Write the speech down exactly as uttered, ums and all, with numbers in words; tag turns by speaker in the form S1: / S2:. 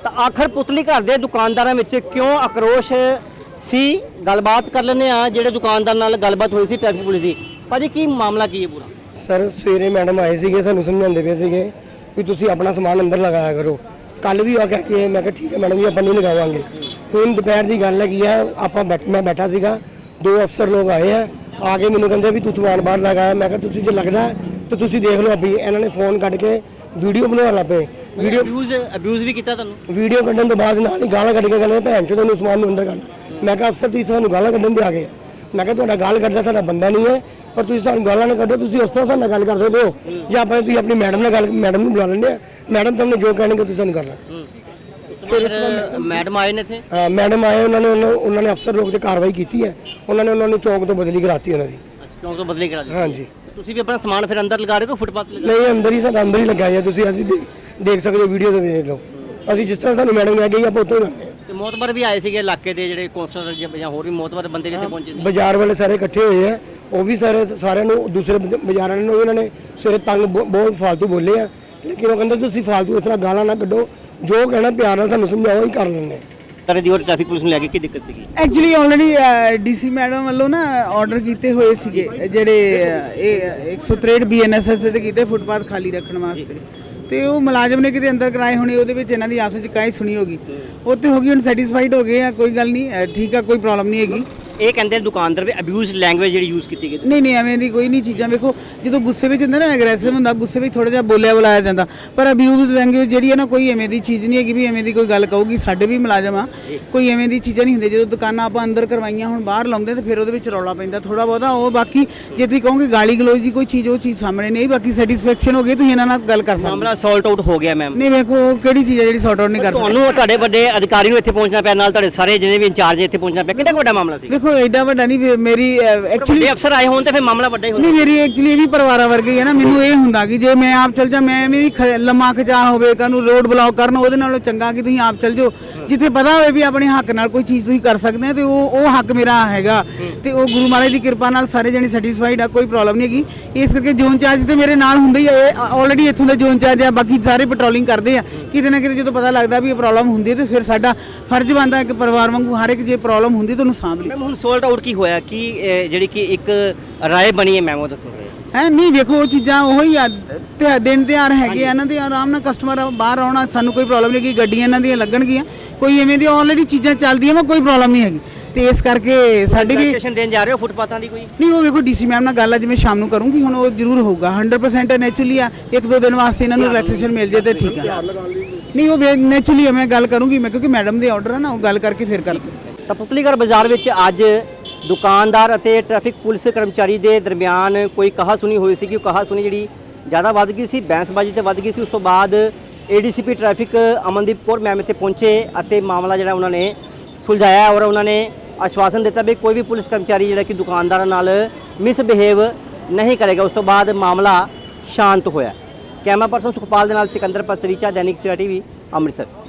S1: ਤਾਂ ਆਖਰ ਪੁਤਲੀ ਘਰ ਦੇ ਦੁਕਾਨਦਾਰਾਂ ਵਿੱਚ ਕਿਉਂ ਆਕਰੋਸ਼ ਸੀ? ਗੱਲਬਾਤ ਕਰ ਲੈਂਦੇ ਆ ਜਿਹੜੇ ਦੁਕਾਨਦਾਰ ਨਾਲ ਗੱਲਬਾਤ ਹੋਈ ਸੀ ਟ੍ਰੈਫਿਕ ਪੁਲਿਸ ਦੀ। ਭਾਜੀ ਕੀ ਮਾਮਲਾ ਕੀ ਹੈ ਪੂਰਾ?
S2: ਸਰ ਸਵੇਰੇ ਮੈਡਮ ਆਏ ਸੀਗੇ, ਸਾਨੂੰ ਸਮਝਾਉਂਦੇ ਪਏ ਸੀਗੇ ਵੀ ਤੁਸੀਂ ਆਪਣਾ ਸਮਾਨ ਅੰਦਰ ਲਗਾਇਆ ਕਰੋ। ਕੱਲ ਵੀ ਆ ਕਹਿ ਕੇ ਮੈਂ ਕਿਹਾ ਠੀਕ ਹੈ ਮੈਡਮ ਜੀ ਆਪਾਂ ਨਹੀਂ ਲਗਾਵਾਂਗੇ। ਹੁਣ ਦੁਪਹਿਰ ਦੀ ਗੱਲ ਹੈਗੀ ਆ, ਆਪਾਂ ਬੈਠ ਮੈਂ ਬੈਠਾ ਸੀਗਾ, ਦੋ ਅਫਸਰ ਲੋਕ ਆਏ ਆ, ਆ ਕੇ ਮੈਨੂੰ ਕਹਿੰਦੇ ਵੀ ਤੂੰ ਸਮਾਨ ਬਾਹਰ ਲਗਾਇਆ। ਮੈਂ ਕਿਹਾ ਤੁਸੀਂ ਜੇ ਲੱਗਦਾ ਤਾਂ ਤੁਸੀਂ ਦੇਖ ਲਓ। ਅਭੀ ਇਹਨਾਂ ਨੇ ਫੋਨ ਕੱਢ ਕੇ ਵੀਡੀਓ ਬਣਾਉਣ ਲੱਗ ਪਏ। ਵੀਡੀਓ
S1: ਅਬਿਊਜ਼ ਅਬਿਊਜ਼ ਵੀ ਕੀਤਾ ਤੁਹਾਨੂੰ?
S2: ਵੀਡੀਓ ਕੱਢਣ ਤੋਂ ਬਾਅਦ ਨਾਲ ਹੀ ਗਾਲਾਂ ਕੱਢ ਕੇ ਕਹਿੰਦੇ ਭੈਣ ਚੋਦ ਨੂੰ ਸਮਾਨ ਨੂੰ ਅੰਦਰ ਕਰਨਾ। ਮੈਂ ਕਿਹਾ ਅਫਸਰ ਤੁਸੀਂ ਸਾਨੂੰ ਗਾਲਾਂ ਕੱਢਣ ਦੇ ਆ ਗਏ। ਮੈਂ ਕਿਹਾ ਤੁਹਾਡਾ ਗਾਲ ਕੱਢਦਾ ਸਾਡਾ ਬੰਦਾ ਨਹੀਂ ਹੈ, ਪਰ ਤੁਸੀਂ ਸਾਨੂੰ ਗਾਲਾਂ ਨਾ ਕੱਢੋ। ਤੁਸੀਂ ਉਸ ਤਰ੍ਹਾਂ ਸਾਡੇ ਨਾਲ ਗੱਲ ਕਰ ਸਕਦੇ ਹੋ ਜਾਂ ਆਪਾਂ ਤੁਸੀਂ ਆਪਣੀ ਮੈਡਮ ਨਾਲ ਗੱਲ ਮੈਡਮ ਨੂੰ ਬੁਲਾ ਲੈਂਦੇ ਆ। ਮੈਡਮ ਤੁਹਾਨੂੰ ਜੋ ਕਹਿਣਗੇ ਤੁਸੀਂ ਸਾਨੂੰ ਕਰਨਾ।
S1: ਫਿਰ ਮੈਡਮ ਆਏ ਨੇ ਇੱਥੇ?
S2: ਹਾਂ ਮੈਡਮ ਆਏ, ਉਹਨਾਂ ਨੇ ਉਹਨਾਂ ਨੇ ਅਫਸਰ ਲੋਕ ਤੇ ਕਾਰਵਾਈ ਕੀਤੀ ਹੈ। ਉਹਨਾਂ ਨੇ ਉਹਨਾਂ ਨੂੰ ਚੌਕ ਤੋਂ ਬਦਲੀ ਕਰਾਤੀ ਉਹਨਾਂ ਦੀ।
S1: ਚੌਕ ਤੋਂ ਬਦਲੀ ਕਰਾ ਦਿੱਤੀ?
S2: ਹਾਂਜੀ।
S1: ਤੁਸੀਂ ਵੀ ਆਪਣਾ ਸਮਾਨ ਫਿਰ ਅੰਦਰ ਲਗਾ ਰਹੇ ਹੋ ਫੁੱਟਪਾਥ ਤੇ?
S2: ਨਹੀਂ ਅੰਦਰ ਹੀ, ਸਾਡਾ ਅੰਦਰ ਹੀ ਲੱਗਾ ਹੈ। ਤੁਸੀਂ ਅਸੀਂ ਦੇਖ ਸਕਦੇ ਹੋ, ਵੀਡੀਓ ਤੇ ਵੇਖ ਲਓ। ਅਸੀਂ ਜਿਸ ਤਰ੍ਹਾਂ ਸਾਨੂੰ ਮੈਡਮ ਲੈ ਗਈ ਆਪਾਂ ਉੱਥੋਂ ਹੀ ਲਾਉਂਦੇ ਹਾਂ।
S1: ਤੇ ਮੋਤਬਰ ਵੀ ਆਏ ਸੀਗੇ ਇਲਾਕੇ ਦੇ ਜਿਹੜੇ ਕੌਂਸਲਰ ਜਾਂ ਹੋਰ ਵੀ ਮੋਤਬਰ ਬੰਦੇ ਵੀ ਇੱਥੇ ਪਹੁੰਚੇ ਸੀ?
S2: ਬਾਜ਼ਾਰ ਵਾਲੇ ਸਾਰੇ ਇਕੱਠੇ ਹੋਏ ਆ, ਉਹ ਵੀ ਸਾਰੇ ਸਾਰਿਆਂ ਨੂੰ ਦੂਸਰੇ ਬਾਜ਼ਾਰਾਂ ਨੂੰ ਉਹਨਾਂ ਨੇ ਸਵੇਰੇ ਤੰਗ ਬਹੁਤ ਫਾਲਤੂ ਬੋਲੇ ਆ। ਲੇਕਿਨ ਉਹ ਕਹਿੰਦੇ ਤੁਸੀਂ ਫਾਲਤੂ ਇਸ ਤਰ੍ਹਾਂ ਗਾਲਾਂ ਨਾ ਕੱਢੋ, ਜੋ ਕਹਿਣਾ ਪਿਆਰ ਨਾਲ ਸਾਨੂੰ ਸਮਝਾਓ ਹੀ ਕਰ ਲੈਂਦੇ।
S1: ਤਰੇ ਦੀ ਹੋਰ ਟ੍ਰੈਫਿਕ ਪੁਲਿਸ ਨੂੰ ਲੈ ਕੇ ਕੀ ਦਿੱਕਤ ਸੀਗੀ?
S3: ਐਕਚੁਅਲੀ ਆਲਰੇਡੀ ਡੀਸੀ ਮੈਡਮ ਵੱਲੋਂ ਨਾ ਆਰਡਰ ਕੀਤੇ ਹੋਏ ਸੀਗੇ ਜਿਹੜੇ ਇਹ ਇੱਕ ਸੌ ਤਰੇਹਠ ਬੀਐਨਐਸਐਸ ਤੇ ਕੀਤੇ ਫੁੱਟਪਾਥ ਖਾਲੀ ਰੱਖਣ ਵਾਸਤੇ, ਤੇ ਉਹ ਮੁਲਾਜ਼ਮ ਨੇ ਕਿਤੇ ਅੰਦਰ ਕਰਾਏ ਹੋਣੇ। ਉਹਦੇ ਵਿੱਚ ਇਹਨਾਂ ਦੀ ਆਪਸ ਵਿੱਚ ਕਾਹੀ ਸੁਣੀ ਹੋਗੀ, ਉੱਥੇ ਹੋ ਗਈ। ਹੁਣ ਸੈਟੀਸਫਾਈਡ ਹੋ ਗਏ ਆ, ਕੋਈ ਗੱਲ ਨਹੀਂ, ਠੀਕ ਆ, ਕੋਈ ਪ੍ਰੋਬਲਮ ਨਹੀਂ ਹੈਗੀ।
S1: ਇਹ ਕਹਿੰਦੇ ਦੁਕਾਨਦਾਰ ਵੀ ਅਬਿਊਜ਼ ਲੈਂਗੁਏਜ ਜਿਹੜੀ ਯੂਜ਼ ਕੀਤੀ ਗਈ?
S3: ਨਹੀਂ ਨਹੀਂ ਐਵੇਂ ਦੀ ਕੋਈ ਨਹੀਂ ਚੀਜ਼ਾਂ। ਵੇਖੋ ਜਦੋਂ ਗੁੱਸੇ ਵਿੱਚ ਹੁੰਦਾ ਨਾ, ਐਗਰੈਸਿਵ ਹੁੰਦਾ, ਗੁੱਸੇ ਵਿੱਚ ਥੋੜਾ ਜਿਹਾ ਬੋਲਿਆ ਬੁਲਾਇਆ ਜਾਂਦਾ, ਪਰ ਅਬਿਊਜ਼ ਲੈਂਗੁਏਜ ਜਿਹੜੀ ਹੈ ਨਾ, ਕੋਈ ਐਵੇਂ ਦੀ ਚੀਜ਼ ਨਹੀਂ ਹੈਗੀ ਵੀ ਐਵੇਂ ਦੀ ਕੋਈ ਗੱਲ ਕਹੂਗੀ। ਸਾਡੇ ਵੀ ਮੁਲਾਜ਼ਮ ਆ, ਕੋਈ ਐਵੇਂ ਦੀ ਚੀਜ਼ਾਂ ਨਹੀਂ ਹੁੰਦੀਆਂ। ਜਦੋਂ ਦੁਕਾਨਾਂ ਆਪਾਂ ਅੰਦਰ ਕਰਵਾਈਆਂ ਹੁਣ ਬਾਹਰ ਲਾਉਂਦੇ ਤੇ ਫਿਰ ਉਹਦੇ ਵਿੱਚ ਰੌਲਾ ਪੈਂਦਾ ਥੋੜਾ ਬਹੁਤਾ। ਉਹ ਬਾਕੀ ਜੇ ਤੁਸੀਂ ਕਹੋਗੇ ਗਾਲੀ ਗਲੋਚ ਦੀ ਕੋਈ ਚੀਜ਼, ਉਹ ਚੀਜ਼ ਸਾਹਮਣੇ ਨਹੀਂ। ਬਾਕੀ ਸੈਟੀਸਫੈਕਸ਼ਨ ਹੋ ਗਈ, ਤੁਸੀਂ ਇਹਨਾਂ ਨਾਲ ਗੱਲ ਕਰ ਸਕਦੇ।
S1: ਮਾਮਲਾ ਸੌਲਟ ਆਊਟ ਹੋ ਗਿਆ ਮੈਮ?
S3: ਨਹੀਂ ਵੇਖੋ ਕਿਹੜੀ ਚੀਜ਼ ਹੈ ਜਿਹੜੀ ਸੌਟ ਆਊਟ ਨਹੀਂ ਕਰ ਸਕਦੀ।
S1: ਤੁਹਾਨੂੰ ਤੁਹਾਡੇ ਵੱਡੇ ਅਧਿਕਾਰੀ ਨੂੰ ਇੱਥੇ ਪਹੁੰਚਣਾ ਪਿਆ, ਨਾਲ ਤੁਹਾਡੇ ਸਾਰੇ ਜਿਹਨੇ ਵੀ ਇੰਚਾਰਜ ਇੱਥੇ ਪਹੁੰਚਣਾ ਪਿਆ, ਕਿੰਨਾ ਵੱਡਾ ਮਾਮਲਾ ਸੀ?
S3: ਵੇਖੋ ਐਡਾ ਵੱਡਾ ਨਹੀਂ। ਮੇਰੀ ਐਕਚੁਅਲੀ
S1: ਵੱਡੇ ਅਫਸਰ ਆਏ ਹੋਣ ਤੇ ਫਿਰ ਮਾਮਲਾ ਵੱਡਾ ਹੀ ਹੁੰਦਾ।
S3: ਨਹੀਂ ਮੇਰੀ ਐਕਚੁਅਲੀ ਇਹ ਵੀ ਪਰਿਵਾਰਾਂ ਵਰਗੀ ਹੈ ਨਾ। ਮੈਨੂੰ ਇਹ ਹੁੰਦਾ ਕਿ ਜੇ ਮੈਂ ਆਪ ਚਲ ਜਾ, ਮੈਂ ਮੇਰੀ ਲੰਮਾ ਖਚਾ ਹੋਵੇ, ਕਾਨੂੰ ਰੋਡ ਬਲੌਕ ਕਰਨ, ਉਹਦੇ ਨਾਲੋਂ ਚੰਗਾ ਕਿ ਤੁਸੀਂ ਆਪ ਚਲ ਜਾਓ ਜਿੱਥੇ ਪਤਾ ਹੋਵੇ ਵੀ ਆਪਣੇ ਹੱਕ ਨਾਲ ਕੋਈ ਚੀਜ਼ ਤੁਸੀਂ ਕਰ ਸਕਦੇ ਆ, ਤੇ ਉਹ ਉਹ ਹੱਕ ਮੇਰਾ ਹੈਗਾ। ਤੇ ਉਹ ਗੁਰੂ ਮਹਾਰਾਜ ਦੀ ਕਿਰਪਾ ਨਾਲ ਸਾਰੇ ਜਣੇ ਸੈਟੀਸਫਾਈਡ ਆ, ਕੋਈ ਪ੍ਰੋਬਲਮ ਨਹੀਂ ਹੈਗੀ। ਇਸ ਕਰਕੇ ਜ਼ੋਨ ਚਾਰਜ ਤੇ ਮੇਰੇ ਨਾਲ ਹੁੰਦੇ ਹੀ ਆ, ਆਲਰੇਡੀ ਇੱਥੋਂ ਦੇ ਜ਼ੋਨ ਚਾਰਜ ਆ, ਬਾਕੀ ਸਾਰੇ ਪੈਟਰੋਲਿੰਗ ਕਰਦੇ ਆ। ਕਿਤੇ ਨਾ ਕਿਤੇ ਜਦੋਂ ਪਤਾ ਲੱਗਦਾ ਵੀ ਇਹ ਪ੍ਰੋਬਲਮ ਹੁੰਦੀ ਹੈ ਤੇ ਫਿਰ ਸਾਡਾ ਫਰਜ਼ ਬਣਦਾ ਇੱਕ ਪਰਿਵਾਰ ਵਾਂਗੂ ਹਰ ਇੱਕ ਜੇ ਪ੍ਰੋਬਲਮ ਹੁੰਦੀ ਤਾਂ ਉਹਨੂੰ ਸਾਂਭ ਲਈ।
S1: ਮੈਮ ਹੁਣ ਸੋਲਟ ਆਊਟ ਕੀ ਹੋਇਆ ਕਿ ਜਿਹੜੀ ਕਿ ਇੱਕ ਰਾਏ ਬਣੀ ਹੈ ਮੈਮ, ਉਹ ਦੱਸੋ।
S3: ਹੈ ਨਹੀਂ ਵੇਖੋ ਉਹ ਚੀਜ਼ਾਂ ਉਹੀ ਆ, ਤੇ ਦਿਨ ਤਿਉਹਾਰ ਹੈਗੇ ਆ ਇਹਨਾਂ ਦੇ, ਆਰਾਮ ਨਾਲ ਕਸਟਮਰ ਬਾਹਰ ਆਉਣਾ, ਸਾਨੂੰ ਕੋਈ ਪ੍ਰੋਬਲਮ ਨਹੀਂ ਕਿ ਗੱਡੀਆਂ ਇਹਨਾਂ ਦੀਆਂ ਲੱਗਣਗੀਆਂ, ਕੋਈ ਐਵੇਂ ਦੀ ਆਲਰੇਡੀ ਚੀਜ਼ਾਂ ਚੱਲਦੀਆਂ ਵਾ, ਕੋਈ ਪ੍ਰੋਬਲਮ ਨਹੀਂ ਹੈਗੀ। ਤੇ ਇਸ ਕਰਕੇ ਸਾਡੀ ਵੀ
S1: ਸਟੇਸ਼ਨ ਦੇਣ ਜਾ ਰਹੇ ਹੋ ਫੁੱਟਪਾਥਾਂ ਦੀ ਕੋਈ?
S3: ਨਹੀਂ ਉਹ ਵੇਖੋ ਡੀਸੀ ਮੈਮ ਨਾਲ ਗੱਲ ਆ, ਜਿਵੇਂ ਸ਼ਾਮ ਨੂੰ ਕਰੂੰਗੀ, ਹੁਣ ਉਹ ਜ਼ਰੂਰ ਹੋਊਗਾ। ਹੰਡਰਡ ਪਰਸੈਂਟ ਨੈਚੁਰਲੀ ਆ, ਇੱਕ ਦੋ ਦਿਨ ਵਾਸਤੇ ਇਹਨਾਂ ਨੂੰ ਰਿਲੈਕਸੇਸ਼ਨ ਮਿਲ ਜੇ ਤੇ ਠੀਕ ਆ। ਨਹੀਂ ਉਹ ਨੈਚੁਰਲੀ ਮੈਂ ਗੱਲ ਕਰੂੰਗੀ, ਮੈਂ ਕਿਉਂਕਿ ਮੈਡਮ ਦੇ ਆਰਡਰ ਆ ਨਾ, ਉਹ ਗੱਲ ਕਰਕੇ ਫਿਰ ਕਰ।
S1: ਤਾਂ ਪੁਤਲੀਗੜ੍ਹ ਬਾਜ਼ਾਰ ਵਿੱਚ ਅੱਜ ਦੁਕਾਨਦਾਰ ਅਤੇ ਟ੍ਰੈਫਿਕ ਪੁਲਿਸ ਕਰਮਚਾਰੀ ਦੇ ਦਰਮਿਆਨ ਕੋਈ ਕਹਾ ਸੁਣੀ ਹੋਈ ਸੀ ਕਿ ਉਹ ਕਹਾ ਸੁਣੀ ਜਿਹੜੀ ਜ਼ਿਆਦਾ ਵੱਧ ਗਈ ਸੀ, ਬਹਿਸਬਾਜ਼ੀ ਤੇ ਵੱਧ ਗਈ ਸੀ। ਉਸ ਤੋਂ ਬਾਅਦ ADCP traffic Amandeep Kaur ma'am ਇੱਥੇ ਪਹੁੰਚੇ ਅਤੇ ਮਾਮਲਾ ਜਿਹੜਾ ਉਹਨਾਂ ਨੇ ਸੁਲਝਾਇਆ ਔਰ ਉਹਨਾਂ ਨੇ ਆਸ਼ਵਾਸਨ ਦਿੱਤਾ ਵੀ ਕੋਈ ਵੀ ਪੁਲਿਸ ਕਰਮਚਾਰੀ ਜਿਹੜਾ ਕਿ ਦੁਕਾਨਦਾਰਾਂ ਨਾਲ ਮਿਸਬਿਹੇਵ ਨਹੀਂ ਕਰੇਗਾ। ਉਸ ਤੋਂ ਬਾਅਦ ਮਾਮਲਾ ਸ਼ਾਂਤ ਹੋਇਆ। ਕੈਮਰਾ ਪਰਸਨ ਸੁਖਪਾਲ ਦੇ ਨਾਲ ਸਿਕੰਦਰ ਪਸਰੀਚਾ, ਦੈਨਿਕ ਸਵੇਰਾ ਟੀਵੀ, ਅੰਮ੍ਰਿਤਸਰ।